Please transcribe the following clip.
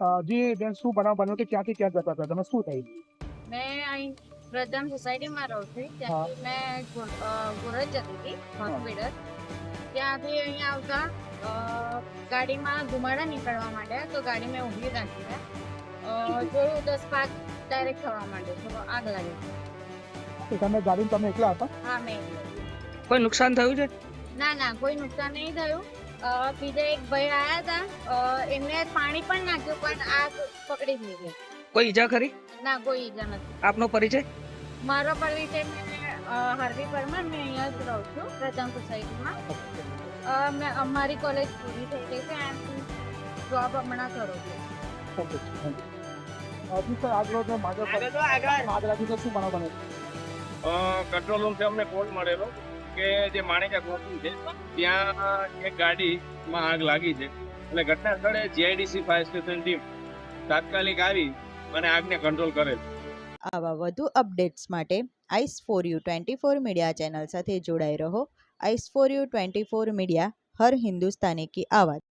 જી બેન, શું બનાવ બન્યો કે ક્યાંથી ક્યાં જતા હતા તમે, શું થયું? મેં અહીં પ્રધાન સોસાયટીમાં રહું છું. ત્યાંથી મેં ગોરજ જતી હતી હોસ્પિટલ. ત્યાંથી અહીંયા આવતા ગાડીમાં ધુમાડા નીકળવા માંડ્યા, તો ગાડી મેં ઊભી રાખી. જોયું તો સ્પાર્ક ડાયરેક્ટ થવા માંડ્યો, તો આગ લાગી. તમે ગાડી તમે એકલા હતા? હા, મેં. કોઈ નુકસાન થયું છે? ના, કોઈ નુકસાન નહીં થયું. બીજા એક ભાઈ આવ્યા હતા, એમને પાણી પણ નાખ્યું, પણ આગ પકડી જ નહીં ગઈ. કોઈ ઈજા ખરી? ના, કોઈ ઈજા નથી. આપનો પરિચય? મારો પરિચય હરવી પરમાર. મેં અહીંયા જ રહું છું પ્રધાન સોસાયટીમાં. અમારી કોલેજ પૂરી થઈ ગઈ છે એન્ડ જોબ હમણાં કરું છું. કંટ્રોલ રૂમથી અમને કોલ મળેલો કે જે માણેકા કોચિંગ છે ત્યાં એક ગાડીમાં આગ લાગી છે. એટલે ઘટના સ્થળે જીઆઈડીસી ફાયર સ્ટેશન ટીમ તાત્કાલિક આવી અને આગને કંટ્રોલ કરેલ. આવા વધુ અપડેટ્સ માટે ice for you 24 media channel સાથે જોડાઈ રહો. આઈસ ફોર યુ 24 મીડિયા, હર હિન્દુસ્તાની કી આવાज़.